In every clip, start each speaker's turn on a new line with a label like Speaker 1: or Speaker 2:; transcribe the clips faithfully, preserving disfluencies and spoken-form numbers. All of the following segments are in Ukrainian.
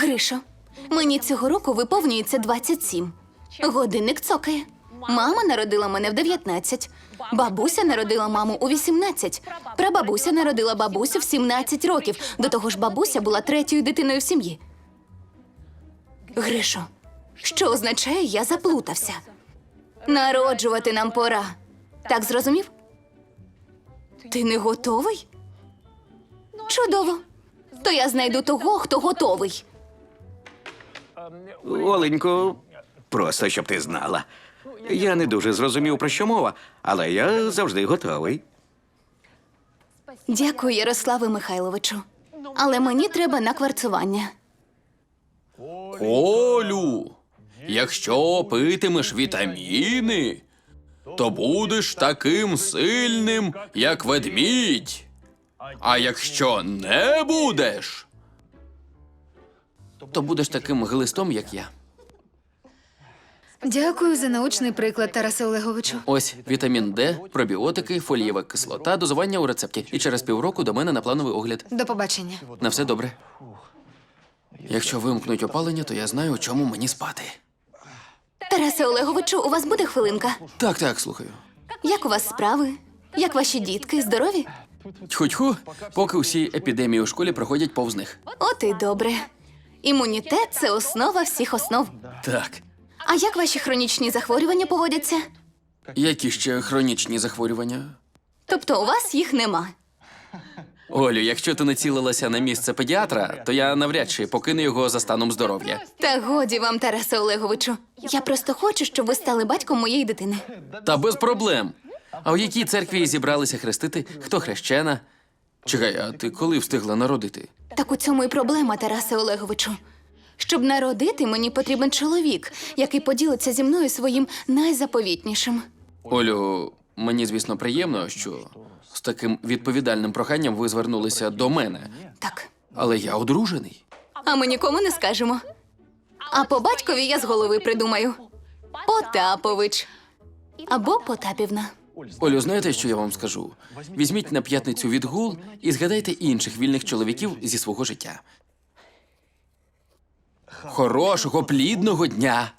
Speaker 1: Гришо, мені цього року виповнюється двадцять сім. Годинник цокає. Мама народила мене в дев'ятнадцять. Бабуся народила маму у вісімнадцять. Прабабуся народила бабусю в сімнадцять років. До того ж, бабуся була третьою дитиною в сім'ї. Гришо, що означає «я заплутався»? Народжувати нам пора. Так зрозумів? Ти не готовий? Чудово. То я знайду того, хто готовий.
Speaker 2: Оленько, просто щоб ти знала. Я не дуже зрозумів, про що мова, але я завжди готовий.
Speaker 1: Дякую, Ярославе Михайловичу. Але мені треба на кварцування.
Speaker 3: Олю, якщо питимеш вітаміни, то будеш таким сильним, як ведмідь. А якщо не будеш, то будеш таким глистом, як я.
Speaker 4: Дякую за научний приклад, Тарасе Олеговичу.
Speaker 3: Ось вітамін Д, пробіотики, фолієва кислота, дозування у рецепті. І через півроку до мене на плановий огляд.
Speaker 4: До побачення.
Speaker 3: На все добре. Якщо вимкнуть опалення, то я знаю, у чому мені спати.
Speaker 1: Тарасе Олеговичу, у вас буде хвилинка?
Speaker 3: Так, так, слухаю.
Speaker 1: Як у вас справи? Як ваші дітки? Здорові?
Speaker 3: Тьху-тьху, поки усі епідемії у школі проходять повз них.
Speaker 1: От і добре. Імунітет – це основа всіх основ.
Speaker 3: Так.
Speaker 1: А як ваші хронічні захворювання поводяться?
Speaker 3: Які ще хронічні захворювання?
Speaker 1: Тобто у вас їх нема?
Speaker 3: Олю, якщо ти націлилася на місце педіатра, то я навряд чи покину його за станом здоров'я.
Speaker 1: Та годі вам, Тарасе Олеговичу. Я просто хочу, щоб ви стали батьком моєї дитини.
Speaker 3: Та без проблем. А у якій церкві зібралися хрестити? Хто хрещена? Чекай, а ти коли встигла народити?
Speaker 1: Так у цьому і проблема, Тарасе Олеговичу. Щоб народити, мені потрібен чоловік, який поділиться зі мною своїм найзаповітнішим.
Speaker 3: Олю, мені, звісно, приємно, що з таким відповідальним проханням ви звернулися до мене.
Speaker 1: Так.
Speaker 3: Але я одружений.
Speaker 1: А ми нікому не скажемо. А по батькові я з голови придумаю. Потапович. Або Потапівна.
Speaker 3: Олю, знаєте, що я вам скажу? Візьміть на п'ятницю відгул і згадайте інших вільних чоловіків зі свого життя. Хорошого, плідного дня!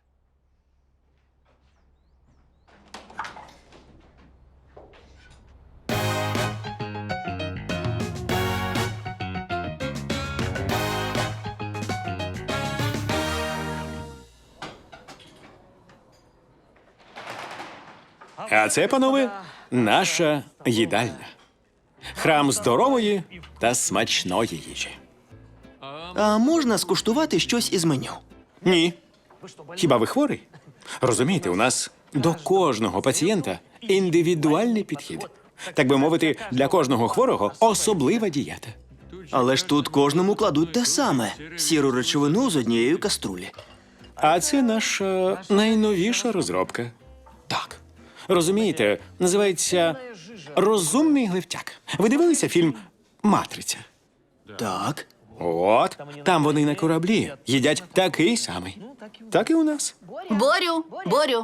Speaker 5: А це, панове, наша їдальня. Храм здорової та смачної їжі.
Speaker 6: А можна скуштувати щось із меню?
Speaker 5: Ні. Хіба ви хворий? Розумієте, у нас до кожного пацієнта індивідуальний підхід. Так би мовити, для кожного хворого особлива дієта.
Speaker 6: Але ж тут кожному кладуть те саме – сіру речовину з однієї каструлі.
Speaker 5: А це наша найновіша розробка. Так. Розумієте, називається «Розумний гливтяк». Ви дивилися фільм «Матриця»?
Speaker 6: Так.
Speaker 5: От, там вони на кораблі їдять такий самий. Так і у нас.
Speaker 1: Борю, Борю.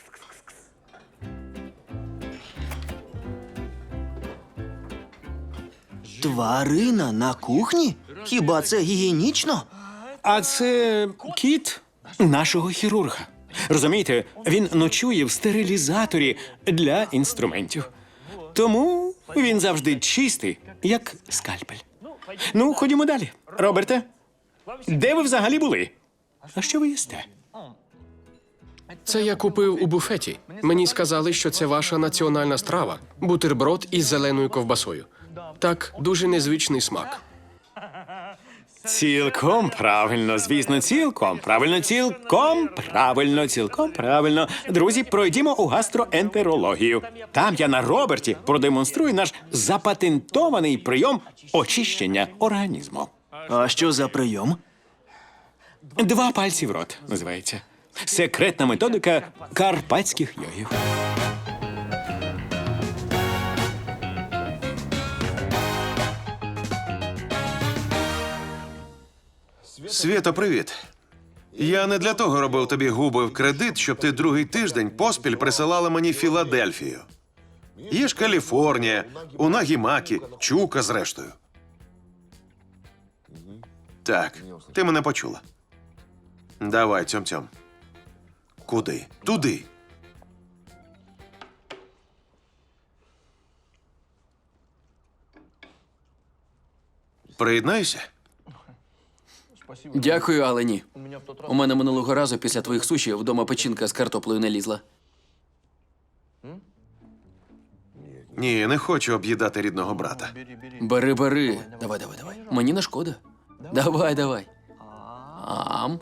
Speaker 6: Тварина на кухні? Хіба це гігієнічно?
Speaker 5: А це кіт нашого хірурга. Розумієте, він ночує в стерилізаторі для інструментів. Тому він завжди чистий, як скальпель. Ну, ходімо далі. Роберте, де ви взагалі були? А що ви їсте?
Speaker 7: Це я купив у буфеті. Мені сказали, що це ваша національна страва – бутерброд із зеленою ковбасою. Так, дуже незвичний смак.
Speaker 5: Цілком правильно, звісно, цілком правильно, цілком правильно, цілком правильно. Друзі, пройдімо у гастроентерологію. Там я на Роберті продемонструю наш запатентований прийом очищення організму.
Speaker 6: А що за прийом?
Speaker 5: Два пальці в рот, називається. Секретна методика карпатських йогів.
Speaker 8: Свєто, привіт. Я не для того робив тобі губи в кредит, щоб ти другий тиждень поспіль присилала мені Філадельфію. Є ж Каліфорнія, Унагі-Макі, Чука зрештою. Так, ти мене почула. Давай, цьом-цьом. Куди? Туди. Приєднайся.
Speaker 3: Дякую, але ні. У мене минулого разу після твоїх суші вдома печінка з картоплею не лізла.
Speaker 8: Ні, не хочу об'їдати рідного брата.
Speaker 3: Бери, бери. Давай, давай, давай. Мені не шкода. Давай, давай. Ам.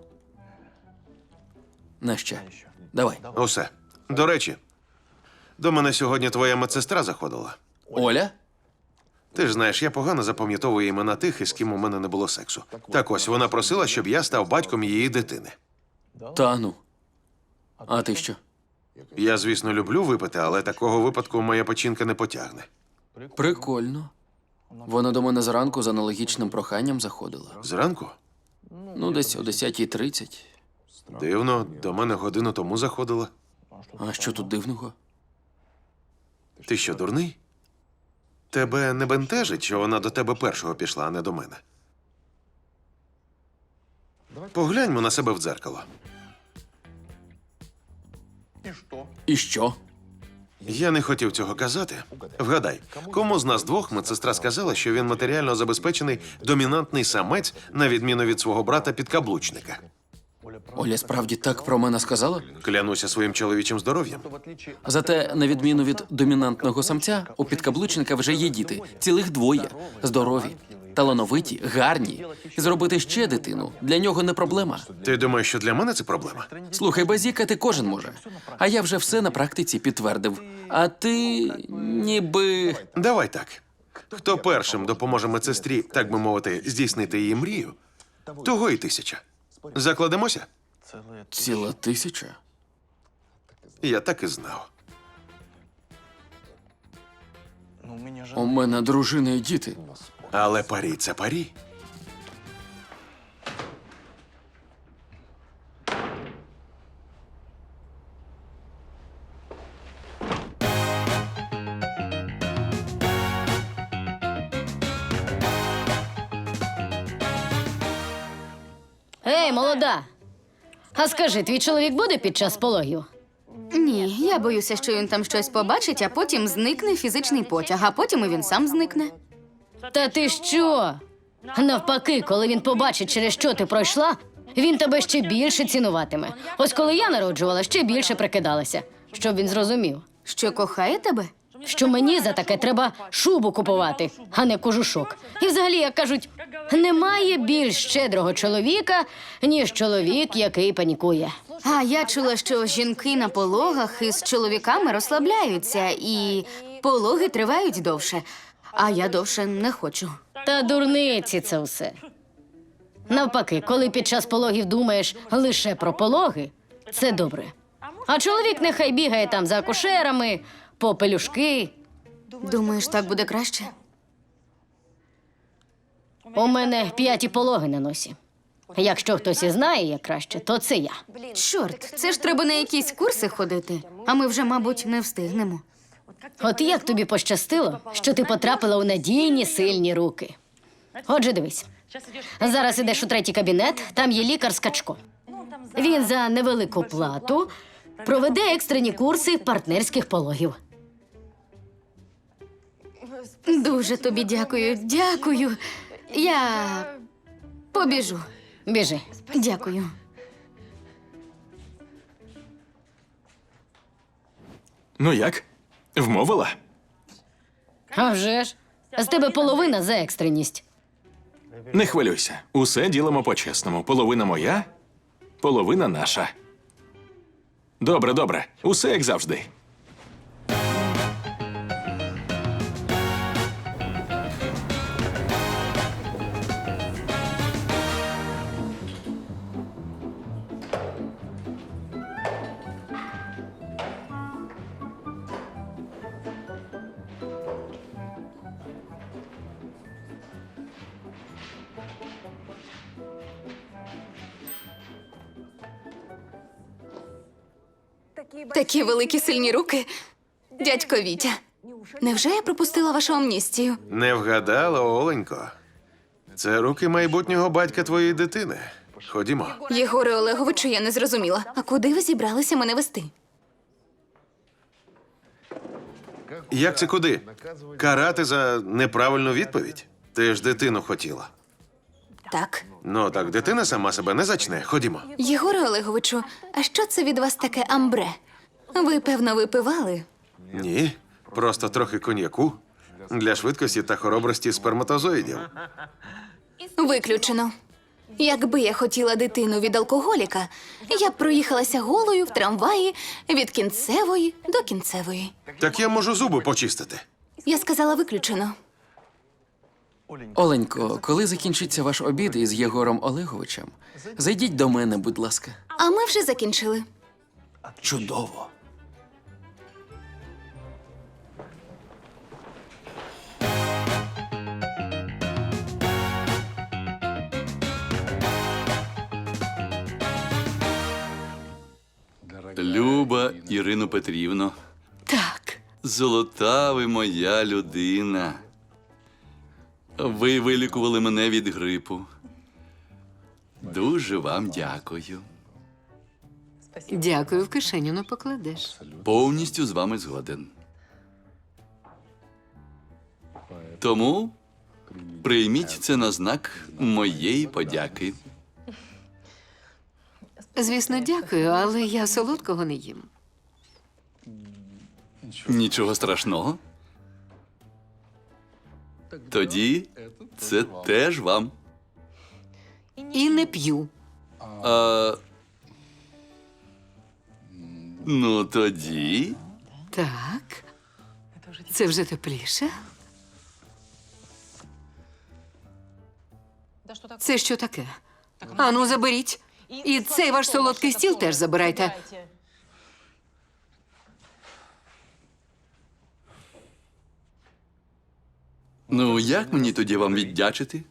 Speaker 3: На ще. Давай.
Speaker 8: Усе. До речі, до мене сьогодні твоя медсестра заходила.
Speaker 3: Оля?
Speaker 8: Ти ж знаєш, я погано запам'ятовую імена тих, із ким у мене не було сексу. Так ось, вона просила, щоб я став батьком її дитини.
Speaker 3: Та ну. А ти що?
Speaker 8: Я, звісно, люблю випити, але такого випадку моя печінка не потягне.
Speaker 3: Прикольно. Вона до мене зранку з аналогічним проханням заходила.
Speaker 8: Зранку?
Speaker 3: Ну, десь о десятій тридцять.
Speaker 8: Дивно, до мене годину тому заходила.
Speaker 3: А що тут дивного?
Speaker 8: Ти що, дурний? Тебе не бентежить, що вона до тебе першого пішла, а не до мене? Погляньмо на себе в дзеркало.
Speaker 3: І що?
Speaker 8: Я не хотів цього казати. Вгадай, кому з нас двох медсестра сказала, що він матеріально забезпечений домінантний самець, на відміну від свого брата-підкаблучника?
Speaker 3: Оля справді так про мене сказала?
Speaker 8: Клянуся своїм чоловічим здоров'ям.
Speaker 3: Зате, на відміну від домінантного самця, у підкаблучника вже є діти. Цілих двоє. Здорові, талановиті, гарні. І зробити ще дитину для нього не проблема.
Speaker 8: Ти думаєш, що для мене це проблема?
Speaker 3: Слухай, базікати кожен може. А я вже все на практиці підтвердив. А ти ніби.
Speaker 8: Давай так. Хто першим допоможе медсестрі, так би мовити, здійснити її мрію, того і тисяча. Закладемося?
Speaker 3: Ціла тисяча?
Speaker 8: Я так і знав.
Speaker 3: У мене дружина і діти.
Speaker 8: Але парі – це парі.
Speaker 9: Ей, молода! А скажи, твій чоловік буде під час пологів?
Speaker 1: Ні, я боюся, що він там щось побачить, а потім зникне фізичний потяг, а потім і він сам зникне.
Speaker 9: Та ти що? Навпаки, коли він побачить, через що ти пройшла, він тебе ще більше цінуватиме. Ось коли я народжувала, ще більше прикидалася, щоб він зрозумів,
Speaker 1: Що кохає тебе?
Speaker 9: що мені за таке треба шубу купувати, а не кожушок. І взагалі, як кажуть, немає більш щедрого чоловіка, ніж чоловік, який панікує.
Speaker 1: А я чула, що жінки на пологах із чоловіками розслабляються, і пологи тривають довше. А я довше не хочу.
Speaker 9: Та дурниці це все. Навпаки, коли під час пологів думаєш лише про пологи, це добре. А чоловік нехай бігає там за акушерами, по пелюшки.
Speaker 1: Думаєш, так буде краще?
Speaker 9: У мене п'яті пологи на носі. Якщо хтось і знає, як краще, то це я.
Speaker 1: Чорт, це ж треба на якісь курси ходити, а ми вже, мабуть, не встигнемо.
Speaker 9: От як тобі пощастило, що ти потрапила у надійні, сильні руки. Отже, дивись. Зараз ідеш у третій кабінет, там є лікар Скачко. Він за невелику плату проведе екстрені курси партнерських пологів.
Speaker 1: Дуже тобі дякую, дякую. Я побіжу.
Speaker 9: Біжи.
Speaker 1: Дякую.
Speaker 5: Ну як? Вмовила?
Speaker 9: А вже ж. З тебе половина за екстреність.
Speaker 5: Не хвилюйся. Усе ділимо по-чесному. Половина моя, половина наша. Добре, добре. Усе як завжди.
Speaker 1: Такі великі сильні руки. Дядько Вітя. Невже я пропустила вашу амністію?
Speaker 8: Не вгадала, Оленько. Це руки майбутнього батька твоєї дитини. Ходімо.
Speaker 1: Єгоре Олеговичу, я не зрозуміла. А куди ви зібралися мене вести?
Speaker 8: Як це куди? Карати за неправильну відповідь? Ти ж дитину хотіла.
Speaker 1: Так.
Speaker 8: Ну так дитина сама себе не зачне. Ходімо.
Speaker 1: Єгоре Олеговичу, а що це від вас таке амбре? Ви, певно, випивали?
Speaker 8: Ні, просто трохи коньяку для швидкості та хоробрості сперматозоїдів.
Speaker 1: Виключено. Якби я хотіла дитину від алкоголіка, я б проїхалася голою в трамваї від кінцевої до кінцевої.
Speaker 8: Так я можу зуби почистити.
Speaker 1: Я сказала виключено.
Speaker 3: Оленько, коли закінчиться ваш обід із Єгором Олеговичем, зайдіть до мене, будь ласка.
Speaker 1: А ми вже закінчили.
Speaker 3: Чудово.
Speaker 10: Люба Ірино Петрівно,
Speaker 1: Так.
Speaker 10: золота ви моя людина. Ви вилікували мене від грипу. Дуже вам дякую.
Speaker 11: Дякую, в кишеню не покладеш.
Speaker 10: Повністю з вами згоден. Тому прийміть це на знак моєї подяки.
Speaker 11: Звісно, дякую, але я солодкого не їм.
Speaker 10: Нічого страшного. Тоді це теж вам.
Speaker 11: І не п'ю.
Speaker 10: А... Ну тоді.
Speaker 11: Так. Це вже тепліше? Це що таке? Ану, заберіть. І цей ваш солодкий стіл теж забирайте.
Speaker 10: Ну, як мені тоді вам віддячити?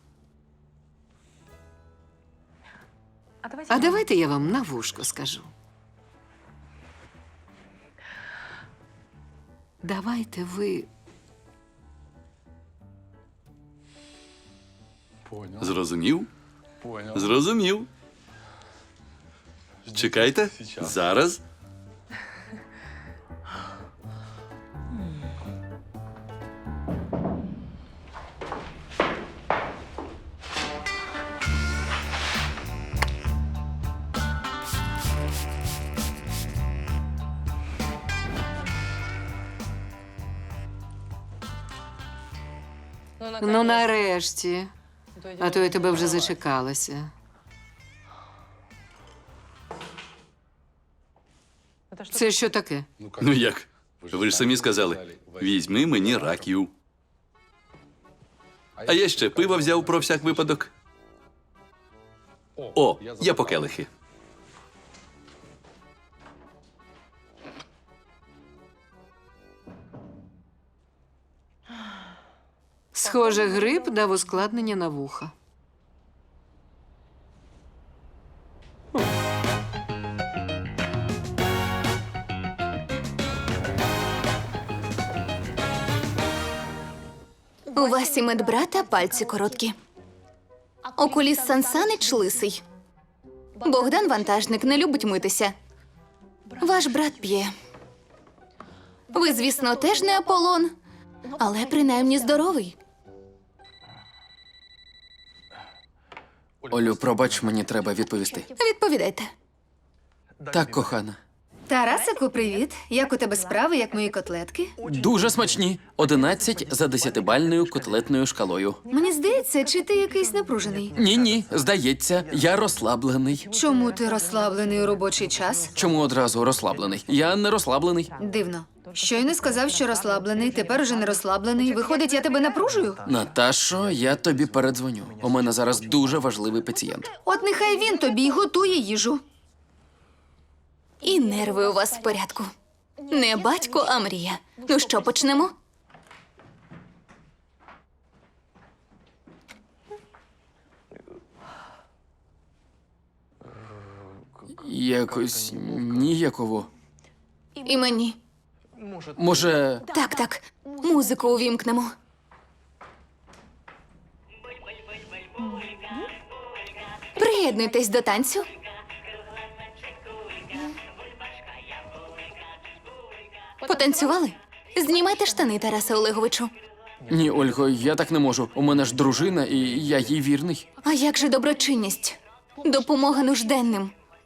Speaker 11: А давайте я вам на вушко скажу. Давайте ви
Speaker 10: Зрозумів? Зрозумів. Чекайте, зараз.
Speaker 11: Ну, нарешті. А то я тебе вже зачекалася. Це що таке?
Speaker 10: Ну як? Ви ж самі сказали, візьми мені раків. А я ще пива взяв про всяк випадок. О, я по келихи.
Speaker 11: Схоже, грип дав ускладнення на вуха.
Speaker 1: У вас і медбрата пальці короткі. Окуліст Сансанич лисий. Богдан вантажник не любить митися. Ваш брат п'є. Ви, звісно, теж не Аполлон, але принаймні здоровий.
Speaker 3: Олю, пробач, мені треба відповісти.
Speaker 1: Відповідайте.
Speaker 3: Так, кохана.
Speaker 4: Тарасику, привіт. Як у тебе справи, як мої котлетки?
Speaker 3: Дуже смачні. Одинадцять за десятибальною котлетною шкалою.
Speaker 4: Мені здається, чи ти якийсь напружений?
Speaker 3: Ні-ні, здається, я розслаблений.
Speaker 4: Чому ти розслаблений у робочий час?
Speaker 3: Чому одразу розслаблений? Я не розслаблений.
Speaker 4: Дивно. Щойно сказав, що розслаблений, тепер уже не розслаблений. Виходить, я тебе напружую?
Speaker 3: Наташо, я тобі передзвоню. У мене зараз дуже важливий пацієнт.
Speaker 4: От нехай він тобі й готує їжу.
Speaker 1: І нерви у вас в порядку. Не батько, а мрія. Ну що, почнемо?
Speaker 3: Якось ніяково.
Speaker 1: І мені.
Speaker 3: Може,
Speaker 1: Так, так. Музику увімкнемо. Приєднуйтесь до танцю. Потанцювали? Знімайте штани, Тарасе Олеговичу.
Speaker 3: Ні, Ольго, я так не можу. У мене ж дружина, і я їй вірний.
Speaker 1: А як же доброчинність? Допомога нужденним.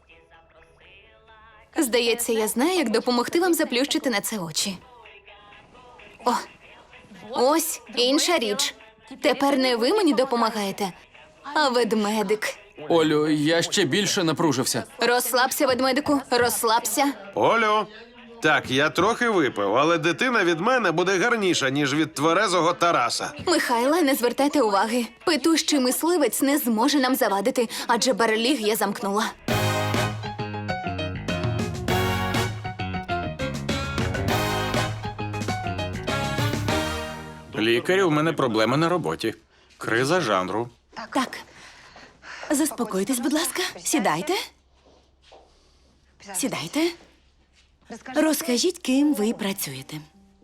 Speaker 1: Здається, я знаю, як допомогти вам заплющити на це очі. О, ось інша річ. Тепер не ви мені допомагаєте, а ведмедик.
Speaker 3: Олю, я ще більше напружився.
Speaker 1: Розслабся, ведмедику, розслабся.
Speaker 8: Олю, так, я трохи випив, але дитина від мене буде гарніша, ніж від тверезого Тараса.
Speaker 1: Михайла, не звертайте уваги. Петущий мисливець не зможе нам завадити, адже барліг я замкнула.
Speaker 12: Лікарю, у мене проблеми на роботі. Криза жанру.
Speaker 13: Так. Заспокойтесь, будь ласка. Сідайте. Сідайте. Розкажіть, ким ви працюєте.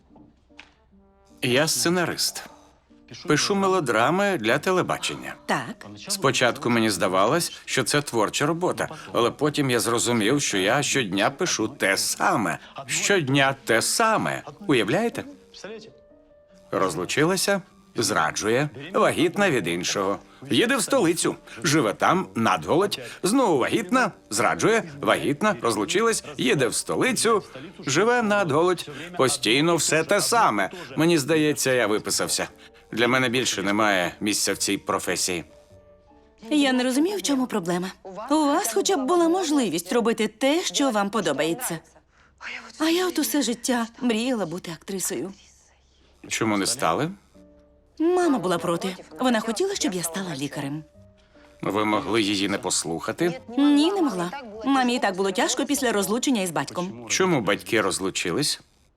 Speaker 12: Я сценарист. Пишу мелодрами для телебачення.
Speaker 13: Так.
Speaker 12: Спочатку мені здавалось, що це творча робота, але потім я зрозумів, що я щодня пишу те саме. Щодня те саме. Уявляєте? Розлучилася, зраджує, вагітна від іншого. Їде в столицю, живе там, надголодь, знову вагітна, зраджує, вагітна, розлучилась, їде в столицю, живе надголодь. Постійно все те саме. Мені здається, я виписався. Для мене більше немає місця в цій професії.
Speaker 13: Я не розумію, в чому проблема. У вас хоча б була можливість робити те, що вам подобається. А я от усе життя мріяла бути актрисою.
Speaker 12: Чому не стали?
Speaker 13: Мама була проти. Вона хотіла, щоб я стала лікарем.
Speaker 12: Ви могли її не послухати?
Speaker 13: Ні, не могла. Мамі і так було тяжко після розлучення із батьком.
Speaker 12: Чому батьки розлучились?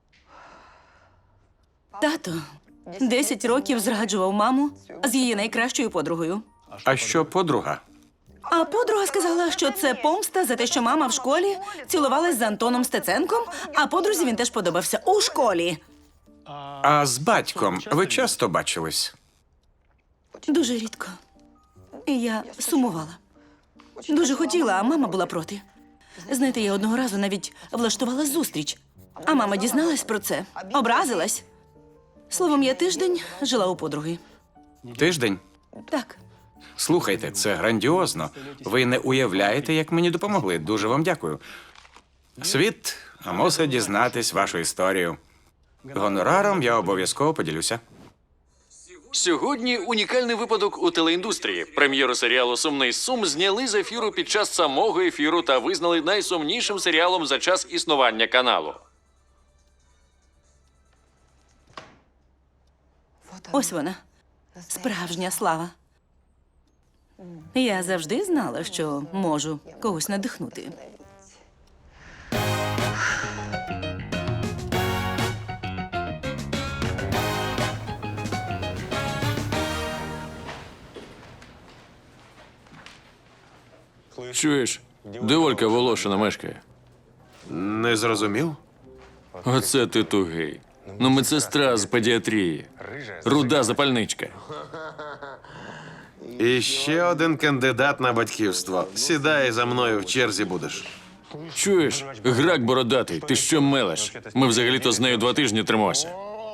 Speaker 13: Тато десять років зраджував маму з її найкращою подругою.
Speaker 12: А що подруга?
Speaker 13: А подруга сказала, що це помста за те, що мама в школі цілувалась з Антоном Стеценком, а подрузі він теж подобався у школі.
Speaker 12: А з батьком ви часто бачились?
Speaker 13: Дуже рідко. І я сумувала. Дуже хотіла, а мама була проти. Знаєте, я одного разу навіть влаштувала зустріч. А мама дізналась про це, образилась. Словом, я тиждень жила у подруги.
Speaker 12: Тиждень?
Speaker 13: Так.
Speaker 12: Слухайте, це грандіозно. Ви не уявляєте, як мені допомогли. Дуже вам дякую. Світ мусить дізнатись вашу історію. Гонораром я обов'язково поділюся.
Speaker 3: Сьогодні унікальний випадок у телеіндустрії. Прем'єру серіалу «Сумний сум» зняли з ефіру під час самого ефіру та визнали найсумнішим серіалом за час існування каналу.
Speaker 13: Ось вона. Справжня слава. Я завжди знала, що можу когось надихнути.
Speaker 14: Чуєш, де Олька Волошина мешкає?
Speaker 8: Не зрозумів?
Speaker 14: Оце ти тугий. Ну, медсестра з педіатрії. Руда запальничка.
Speaker 8: І ще один кандидат на батьківство. Сідай за мною в черзі будеш.
Speaker 14: Чуєш, грак бородатий, ти що мелеш? Ми взагалі-то з нею два тижні тримося.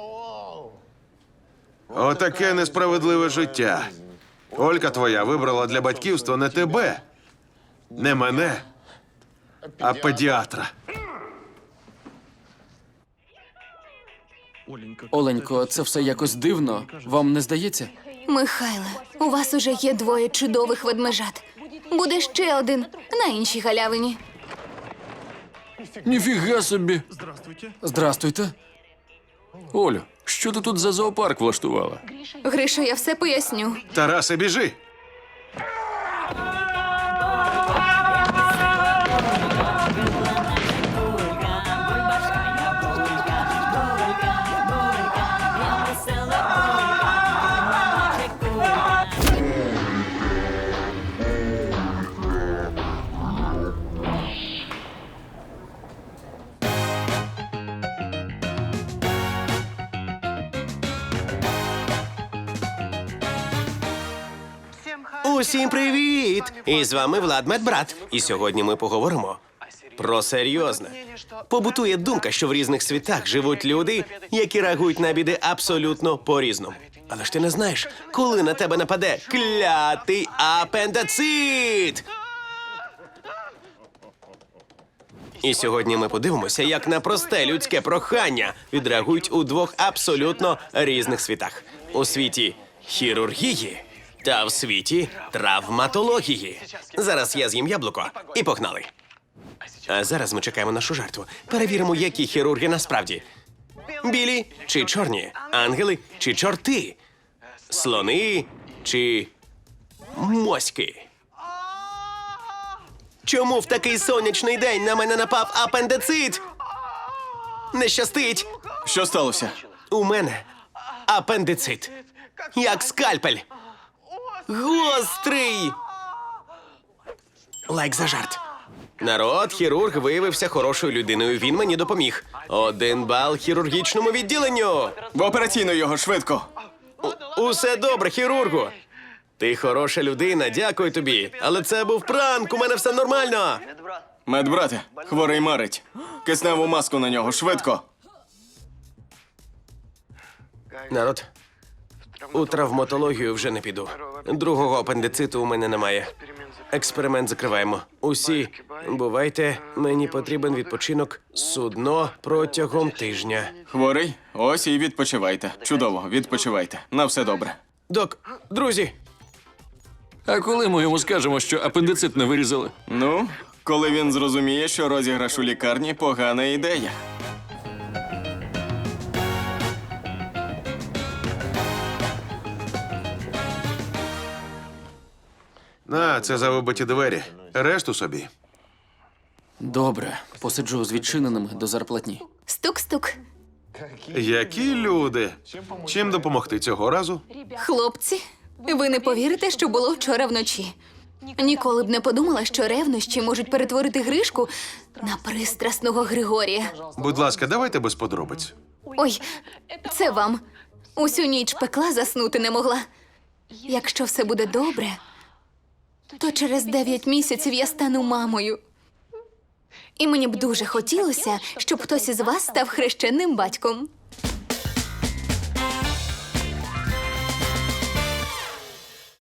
Speaker 8: Отаке несправедливе життя. Олька твоя вибрала для батьківства не тебе, не мене, а педіатра.
Speaker 3: Оленько, це все якось дивно. Вам не здається?
Speaker 1: Михайле, у вас уже є двоє чудових ведмежат. Буде ще один на іншій галявині.
Speaker 14: Ніфіга собі.
Speaker 3: Здрастуйте.
Speaker 14: Олю, що ти тут за зоопарк влаштувала?
Speaker 1: Гриша, я все поясню.
Speaker 8: Тарасе, біжи!
Speaker 15: Усім привіт! І з вами Влад Медбрат. І сьогодні ми поговоримо про серйозне. Побутує думка, що в різних світах живуть люди, які реагують на біди абсолютно по-різному. Але ж ти не знаєш, коли на тебе нападе клятий апендицит! І сьогодні ми подивимося, як на просте людське прохання відреагують у двох абсолютно різних світах. У світі хірургії та в світі травматології. Зараз я з'їм яблуко і погнали. А зараз ми чекаємо нашу жертву. Перевіримо, які хірурги насправді. Білі чи чорні? Ангели чи чорти? Слони чи моськи? Чому в такий сонячний день на мене напав апендицит? Не щастить.
Speaker 14: Що сталося?
Speaker 15: У мене апендицит. Як скальпель. Гострий. Лайк за жарт. Народ, хірург виявився хорошою людиною. Він мені допоміг. Один бал хірургічному відділенню.
Speaker 14: В операційну його швидко.
Speaker 15: У- усе добре, хірургу. Ти хороша людина, дякую тобі. Але це був пранк, у мене все нормально.
Speaker 14: Медбрате, хворий марить. Кисневу маску на нього, швидко.
Speaker 15: Народ, у травматологію вже не піду. Другого апендициту у мене немає. Експеримент закриваємо. Усі, бувайте, мені потрібен відпочинок судно протягом тижня.
Speaker 14: Хворий? Ось і відпочивайте. Чудово, відпочивайте. На все добре.
Speaker 15: Док, друзі,
Speaker 14: А коли ми йому скажемо, що апендицит не вирізали? Ну, коли він зрозуміє, що розіграш у лікарні погана ідея.
Speaker 8: На, це за вибиті двері. Решту собі.
Speaker 3: Добре, посиджу з відчиненими до зарплатні.
Speaker 1: Стук-стук.
Speaker 8: Які люди? Чим допомогти цього разу?
Speaker 1: Хлопці, ви не повірите, що було вчора вночі. Ніколи б не подумала, що ревнощі можуть перетворити Гришку на пристрасного Григорія.
Speaker 8: Будь ласка, давайте без подробиць.
Speaker 1: Ой, це вам. Усю ніч пекла, заснути не могла. Якщо все буде добре, то через дев'ять місяців я стану мамою. І мені б дуже хотілося, щоб хтось із вас став хрещенним батьком.